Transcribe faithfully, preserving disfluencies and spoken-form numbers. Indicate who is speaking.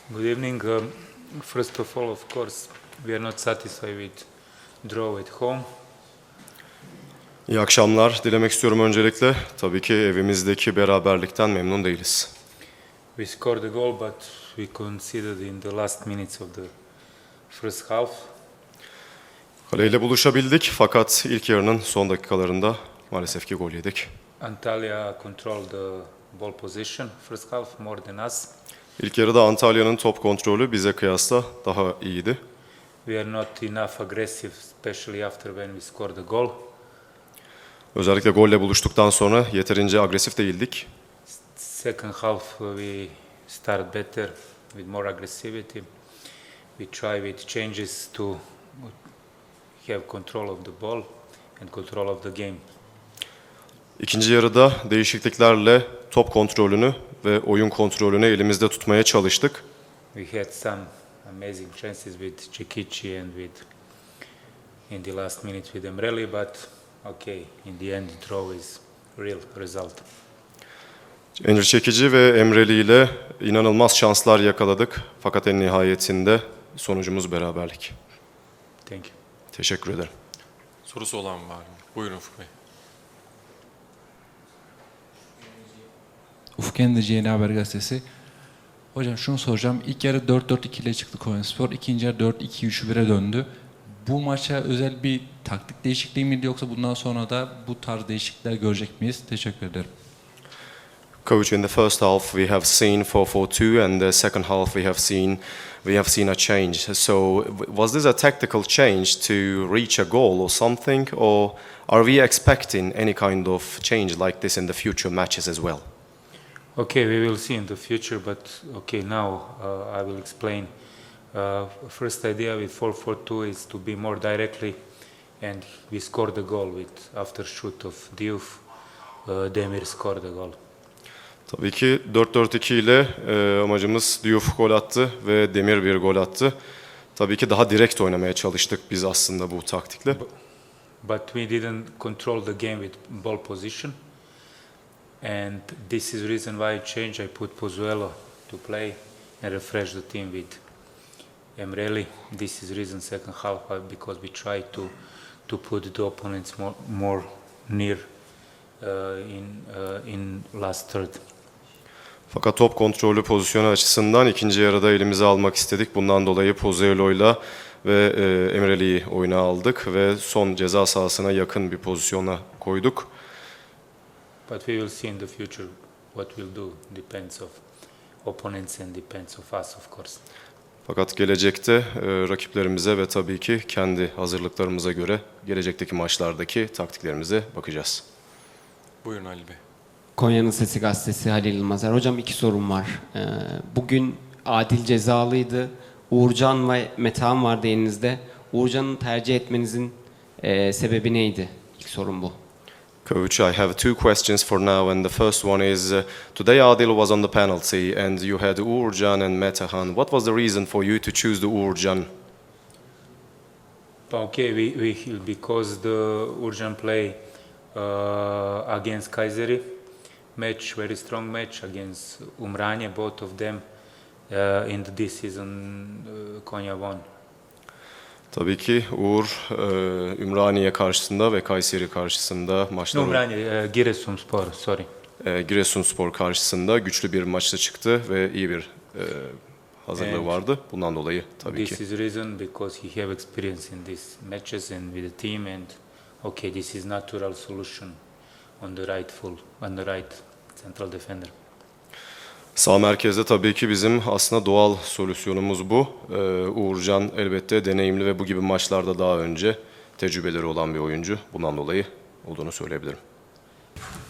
Speaker 1: Good evening. Um, first of all, of course, we are not satisfied with draw at home.
Speaker 2: İyi akşamlar dilemek istiyorum öncelikle. Tabii ki evimizdeki beraberlikten memnun değiliz.
Speaker 1: We scored a goal, but we conceded in the last minutes of the first half.
Speaker 2: Kaleyle buluşabildik fakat ilk yarının son dakikalarında maalesef ki gol yedik.
Speaker 1: Antalya controlled the ball position first half more than us.
Speaker 2: İlk yarıda Antalya'nın top kontrolü bize kıyasla daha iyiydi.
Speaker 1: We are not enough aggressive, especially after when we scored the goal.
Speaker 2: Özellikle golle buluştuktan sonra yeterince agresif değildik.
Speaker 1: Second half uh, we start better with more aggressivity. We try with changes to have control of the ball and control of the game.
Speaker 2: İkinci yarıda değişikliklerle top kontrolünü ve oyun kontrolünü elimizde tutmaya çalıştık.
Speaker 1: We had some amazing chances with Cekici and with in the last minute with Emreli, but okay, in the end, draw is real result.
Speaker 2: Emre Çekici ve Emreli ile inanılmaz şanslar yakaladık fakat en nihayetinde sonucumuz beraberlik.
Speaker 1: Thank you.
Speaker 2: Teşekkür ederim.
Speaker 3: Sorusu olan var mı? Buyurun Ufuk Bey.
Speaker 4: Ufuk Endirici Yeni Haber Gazetesi. Hocam şunu soracağım. İlk yarı dört dört iki ile çıktı Konyaspor. İkinci yarı dört iki üç bire döndü. Bu maça özel bir taktik değişikliği miydi yoksa bundan sonra da bu tarz değişiklikler görecek miyiz? Teşekkür ederim.
Speaker 2: Coach, in the first half we have seen four four two and the second half we have seen we have seen a change. So was this a tactical change to reach a goal or something, or are we expecting any kind of change like this in the future matches as well?
Speaker 1: Okay, we will see in the future, but okay, now uh, I will explain. Uh, first idea with four four two is to be more directly, and we scored the goal with after shoot of Diouf. Uh, Demir scored the goal.
Speaker 2: Tabii ki dört dört iki ile e, amacımız Diouf gol attı ve Demir bir gol attı. Tabii ki daha direkt oynamaya çalıştık biz aslında bu taktikle.
Speaker 1: But we didn't control the game with ball position, and this is the reason why I changed. I put Pozuelo to play and refresh the team with Emreli. This is the reason second half uh, because we try to to put the opponents more more near uh, in uh, in last third.
Speaker 2: Fakat top kontrolü pozisyonu açısından ikinci yarıda elimize almak istedik. Bundan dolayı Pozuelo'yla ve e, Emreli'yi oyuna aldık ve son ceza sahasına yakın bir pozisyona koyduk.
Speaker 1: But we will see in the future what we'll do. Depends of opponents and depends of us, of course.
Speaker 2: Fakat gelecekte e, rakiplerimize ve tabii ki kendi hazırlıklarımıza göre gelecekteki maçlardaki taktiklerimize bakacağız.
Speaker 3: Buyurun Ali Bey.
Speaker 5: Konya'nın Sesi Gazetesi Halil Yılmazer. Hocam iki sorum var. Ee, bugün Adil cezalıydı. Uğurcan ve Metehan vardı elinizde. Uğurcan'ı tercih etmenizin e, sebebi neydi? İlk sorum bu.
Speaker 2: Coach, I have two questions for now, and the first one is, uh, today Adil was on the penalty, and you had Uğurcan and Metehan. What was the reason for you to choose the Uğurcan?
Speaker 1: Okay, we, we because the urgent play uh, against Kayseri match, very strong match against Umranje, both of them uh, in this season uh, Konya won.
Speaker 2: Tabii ki Uğur, e, Ümraniye karşısında ve Kayseri karşısında
Speaker 1: No,
Speaker 2: maçları,
Speaker 1: Umranje, uh, Giresunspor, sorry.
Speaker 2: e, Giresunspor karşısında güçlü bir maçta çıktı ve iyi bir e, hazırlığı
Speaker 1: And
Speaker 2: vardı. Bundan dolayı tabii
Speaker 1: This
Speaker 2: ki.
Speaker 1: is the reason because he have experience in these matches and with the team, and okay, this is natural solution on the right full, on the right central defender.
Speaker 2: Sağ merkezde tabii ki bizim aslında doğal solüsyonumuz bu. Ee, Uğurcan elbette deneyimli ve bu gibi maçlarda daha önce tecrübeleri olan bir oyuncu. Bundan dolayı olduğunu söyleyebilirim.